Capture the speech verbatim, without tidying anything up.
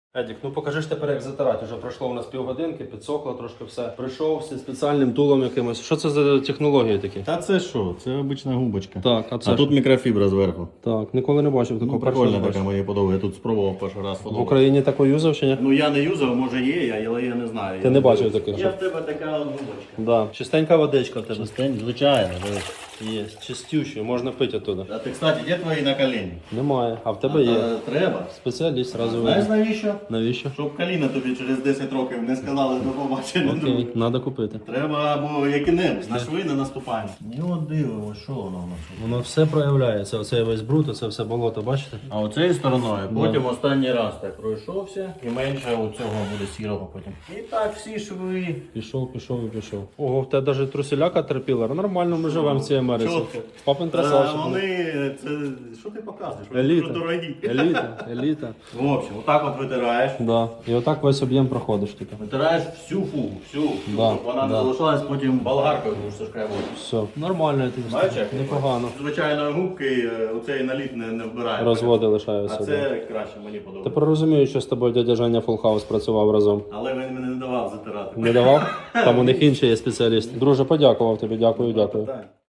Едік, ну покажи ж тепер, як затирати. Вже пройшло у нас півгодинки, підсохло трошки все. Прийшов зі спеціальним тулом якимось. Що це за технології такі? Та це що? Це обична губочка. Так, а це А що? тут мікрофібра зверху. Так, ніколи не бачив такого. Ну, першого прикольна бачу. така, мені подобається. Я тут спробував перший раз. В подобається. Україні таку юзав чи ні? Ну я не юзав, може є, я- але я не знаю. Ти Я не бачив дивився. таких, Я що? в тебе така от губочка. Да. Чистенька водичка в тебе. Чистень, звичайно. дивись. Є, чистюща, можна пити оттуда. А ти, кстати, де твої на коліні? Немає, а в тебе А, є. та Треба. Спеціаліст зразу Знаєш видно. навіщо? Навіщо? Щоб коліна тобі через десять років не сказали до побачення. Окей, треба купити. Треба або які-небудь, на шви не наступаємо. Ну от дивимось, що воно в нас. Воно все проявляється. Оце весь бруд, оце все болото, бачите? А оцею стороною, потім останній раз так пройшовся, і менше у цього буде сірого потім. І так всі шви. Пішов, пішов і пішов. Ого, в тебе навіть труселяка терпіла. Нормально ми живемо в цій Америці. Чітко. Папин А красавчик. вони, це, що ти показуєш? Вони Еліта. дуже дорогі. Еліта, еліта. В общем, отак от витираєш. Да. І отак весь об'єм проходиш типу. Витираєш всю фугу, всю, всю Да, щоб вона да. не залишалась, потім болгаркою будеш зашкрябувати. Все, нормально я тобі Бачиш, скажу. як? Непогано. Звичайно, губки е, оцей наліт не, не вбирає. Розводи А лишаються. Да. це краще, мені подобається. Тепер розумію, що з тобою дядя Женя Фулхаус працював разом. Але він мене не давав затирати. Не давав? Там у них інший є спеціаліст. Друже, подякував тобі, дякую, дякую. Так.